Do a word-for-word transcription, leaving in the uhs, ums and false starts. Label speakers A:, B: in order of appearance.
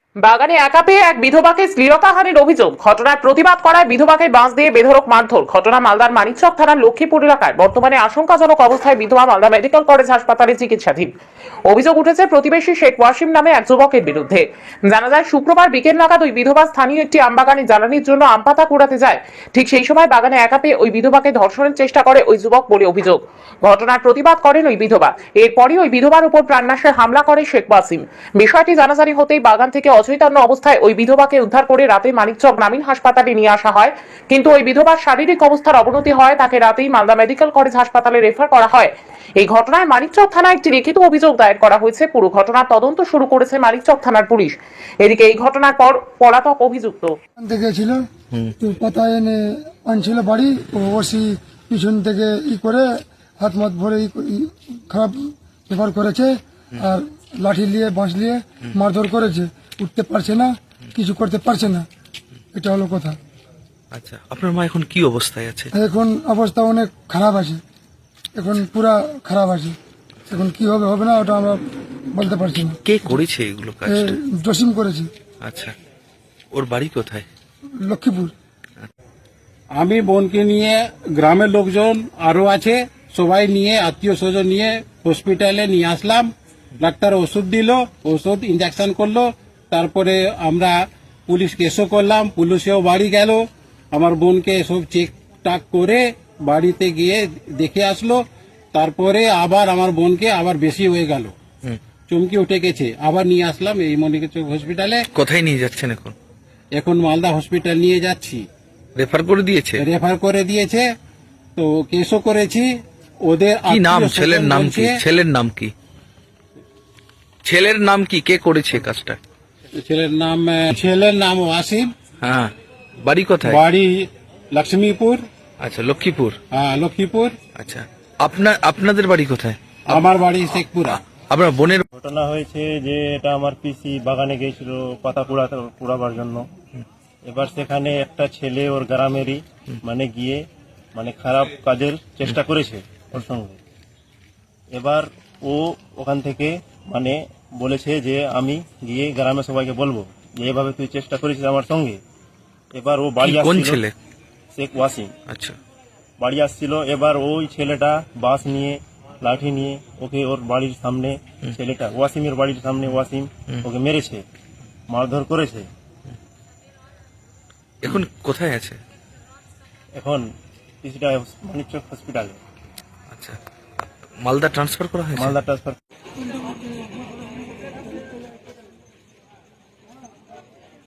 A: বাগানে একা পেয়ে এক বিধবাকে শ্লীলতাহানির অভিযোগ। ঘটনার প্রতিবাদ করায় বিধবাকে বাঁশ দিয়ে বেধড়ক মারধর। ঘটনা মালদার মানিকচক থানার লক্ষ্মীপুর এলাকায়। বর্তমানে আশঙ্কাজনক অবস্থায় বিধবা মালদা মেডিকেল কলেজ হাসপাতালে চিকিৎসাধীন। অভিযোগ উঠেছে প্রতিবেশী শেখ ওয়াসিম নামে এক যুবকের বিরুদ্ধে। জানা যায় শুক্রবার বিকেল নাগাদ ওই বিধবা স্থানীয় একটি আমবাগানে জ্বালানির জন্য আম পাতা কুড়াতে যায়। ঠিক সেই সময় বাগানে একা পেয়ে ওই বিধবাকে ধর্ষণের চেষ্টা করে ওই যুবক বলে অভিযোগ। ঘটনার প্রতিবাদ করেন ওই বিধবা। এরপরই ওই বিধবার উপর প্রাণনাশের হামলা করে শেখ ওয়াসিম। বিষয়টি জানাজানি হতেই বাগান থেকে অচৈতন্য অবস্থায় ওই বিধবাকে উদ্ধার করে রাতে মানিকচক গ্রামীণ হাসপাতালে নিয়ে আসা হয়। কিন্তু ওই বিধবার শারীরিক অবস্থার অবনতি হয়, তাকে রাতেই মালদা মেডিকেল কলেজ হাসপাতালে রেফার করা হয়। এই ঘটনায় মানিকচক থানায় একটি লিখিত অভিযোগ দায়ের করা হয়েছে। পুরো ঘটনার তদন্ত শুরু করেছে মানিকচক থানার পুলিশ। এদিকে এই ঘটনার পর পলাতক অভিযুক্ত
B: গেছিল তো পাতা এনে আনছিল বাড়ি, ও ওসি পিছন থেকে ই করে হাত মাত ভরে খারাপ ব্যবহার করেছে, আর লাঠি নিয়ে বাঁশ নিয়ে মারধর করেছে। উঠতে পারছে না, কিছু করতে পারছে না, এটা হলো কথা।
C: আচ্ছা, আপনার মা এখন কি অবস্থায় আছে?
B: এখন অবস্থা অনেক খারাপ আছে, এখন পুরা খারাপ আছে। এখন কি হবে হবে না ওটা আমরা বলতে পারছি না।
C: কে করেছে এগুলো কাজ?
B: জসিম করেছে।
C: আচ্ছা, ওর বাড়ি কোথায়?
B: লক্ষ্মীপুর।
D: আমি বোনকে নিয়ে গ্রামের লোকজন আরো আছে, সবাই নিয়ে আত্মীয় স্বজন নিয়ে হসপিটালে নিয়ে আসলাম। ডাক্তার ওষুধ দিল, ওষুধ ইঞ্জেকশন করলো, তারপরে আমরা পুলিশ কেসও করলাম। পুলিশেও বাড়ি গেল, আমার বোনকে সব চেক টাক করে বাড়িতে গিয়ে দেখে আসলো। তারপরে আবার আমার বোনকে আবার বেশি হয়ে গেল, চমকি উঠে গেছে, আবার নিয়ে আসলাম এই মনিকচক হসপিটালে।
C: কোথায় নিয়ে যাচ্ছেন এখন?
D: এখন মালদা হসপিটাল নিয়ে যাচ্ছি।
C: রেফার করে দিয়েছে?
D: রেফার করে দিয়েছে, তো কেসও করেছি। ওদের
C: কি নাম?
D: আত্মীয়
C: ছেলের
D: স্বজন
C: নাম কি?
D: বলছে-
C: ছেলের নাম কি? ছেলের নাম কি? কে করেছে কাজটা?
D: ছেলের নাম ছেলের নাম ওয়াসিম।
C: হ্যাঁ, বাড়ি কোথায়?
D: বাড়ি লক্ষ্মীপুর।
C: আচ্ছা, লক্ষ্মীপুর।
D: হ্যাঁ, লক্ষ্মীপুর।
C: আচ্ছা, আপনার আপনাদের বাড়ি কোথায়?
D: আমার বাড়ি শেখপুরা।
C: আপনার বোনের?
E: ঘটনা হয়েছে যে এটা আমার পিসি বাগানে গিয়েছিল পাতা কুড়াতে কুড়াবার জন্য। এবার সেখানে একটা ছেলে ওর গ্রামেরই মানে গিয়ে মানে খারাপ কাজের চেষ্টা করেছে ওর সঙ্গে। এবার ও ওখান থেকে মানে বলেছে যে আমি গিয়ে গ্রামে সবাইকে বলবো যে এভাবে তুই চেষ্টা করেছিস আমার সঙ্গে। এবার ও বাড়ি
C: কোন
E: আসছিল,
C: ছেলে?
E: শেখ ওয়াসিম
C: আচ্ছা,
E: বাড়ি আসছিল। এবার ওই ছেলেটা বাস নিয়ে লাঠি নিয়ে ওকে ওর বাড়ির সামনে, ছেলেটা ওয়াসিমের বাড়ির সামনে ওয়াসিম ওকে মেরেছে, মারধর করেছে।
C: এখন কোথায় আছে?
E: এখন কিছুটা মানিকচক হসপিটালে
C: আচ্ছা, মালদা ট্রান্সফার করা হয়েছে?
E: মালদা ট্রান্সফার